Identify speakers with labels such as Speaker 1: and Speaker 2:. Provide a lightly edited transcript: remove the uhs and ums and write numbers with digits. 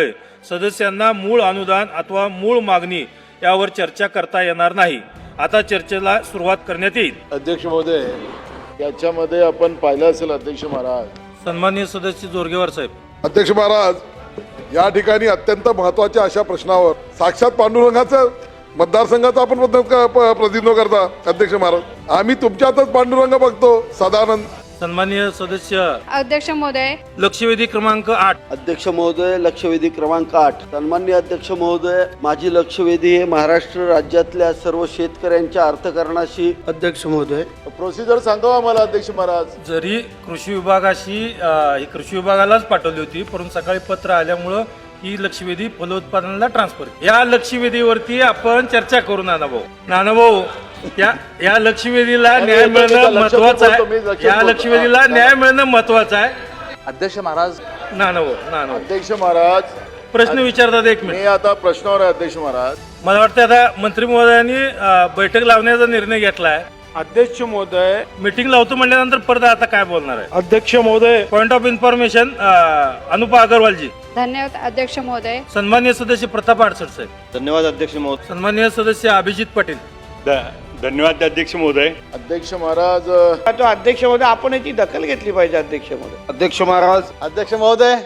Speaker 1: असल्यामुळे सदस्यांना मूळ अनुदान अथवा मूळ मागणी यावर चर्चा करता येणार नाही. आता चर्चेला सुरुवात करण्यात येईल.
Speaker 2: अध्यक्ष महोदय, याच्यामध्ये आपण पाहिलं असेल अध्यक्ष महाराज.
Speaker 1: सन्माननीय सदस्य जोरगेवार साहेब.
Speaker 3: अध्यक्ष महाराज, या ठिकाणी अत्यंत महत्वाच्या अशा प्रश्नावर साक्षात पांडुरंगाचं मतदारसंघाचं आपण प्रतिनिधित्व करता. अध्यक्ष महाराज, आम्ही तुमच्यातच पांडुरंग बघतो सदानंद.
Speaker 1: सन्माननीय सदस्य
Speaker 4: अध्यक्ष महोदय,
Speaker 1: लक्षवेधी क्रमांक 8.
Speaker 5: अध्यक्ष महोदय, लक्षवेधी क्रमांक 8. सन्माननीय अध्यक्ष महोदय, माझी लक्षवेधी हे महाराष्ट्र राज्यातल्या सर्व शेतकऱ्यांच्या अर्थकारणाशी.
Speaker 2: अध्यक्ष महोदय, प्रोसिजर सांगावा मला अध्यक्ष महाराज.
Speaker 1: जरी कृषी विभागाशी ही कृषी विभागालाच पाठवली होती, परंतु सकाळी पत्र आल्यामुळं ही लक्षवेधी फलोत्पादनाला ट्रान्सफर. या लक्षवेधीवरती आपण चर्चा करू. नानाभाऊ, या लक्षवेधीला न्याय मिळणं महत्वाचं आहे. या लक्षवेधीला न्याय मिळणं महत्वाचं आहे.
Speaker 6: अध्यक्ष महाराज.
Speaker 1: नानाभाऊ,
Speaker 2: अध्यक्ष महाराज,
Speaker 1: प्रश्न विचारतात. एक
Speaker 2: मी
Speaker 1: मिनिट.
Speaker 2: आता प्रश्नावर आहे अध्यक्ष महाराज.
Speaker 1: मला वाटतं आता मंत्री महोदयांनी बैठक लावण्याचा निर्णय घेतलाय.
Speaker 7: अध्यक्ष महोदय,
Speaker 1: मीटिंग लावतो म्हणल्यानंतर परत आता काय बोलणार आहे?
Speaker 7: अध्यक्ष महोदय,
Speaker 1: point of information Anupa Agrawalji.
Speaker 4: धन्यवाद अध्यक्ष महोदय.
Speaker 1: सन्माननीय सदस्य प्रताप आडसर साहेब.
Speaker 5: धन्यवाद अध्यक्ष महोदय.
Speaker 1: सन्माननीय सदस्य अभिजित पाटील.
Speaker 8: धन्यवाद अध्यक्ष महोदय.
Speaker 2: अध्यक्ष महाराज,
Speaker 7: अध्यक्ष महोदय, आपण याची दखल घेतली पाहिजे. अध्यक्ष महोदय.
Speaker 5: अध्यक्ष महाराज.
Speaker 2: अध्यक्ष महोदय,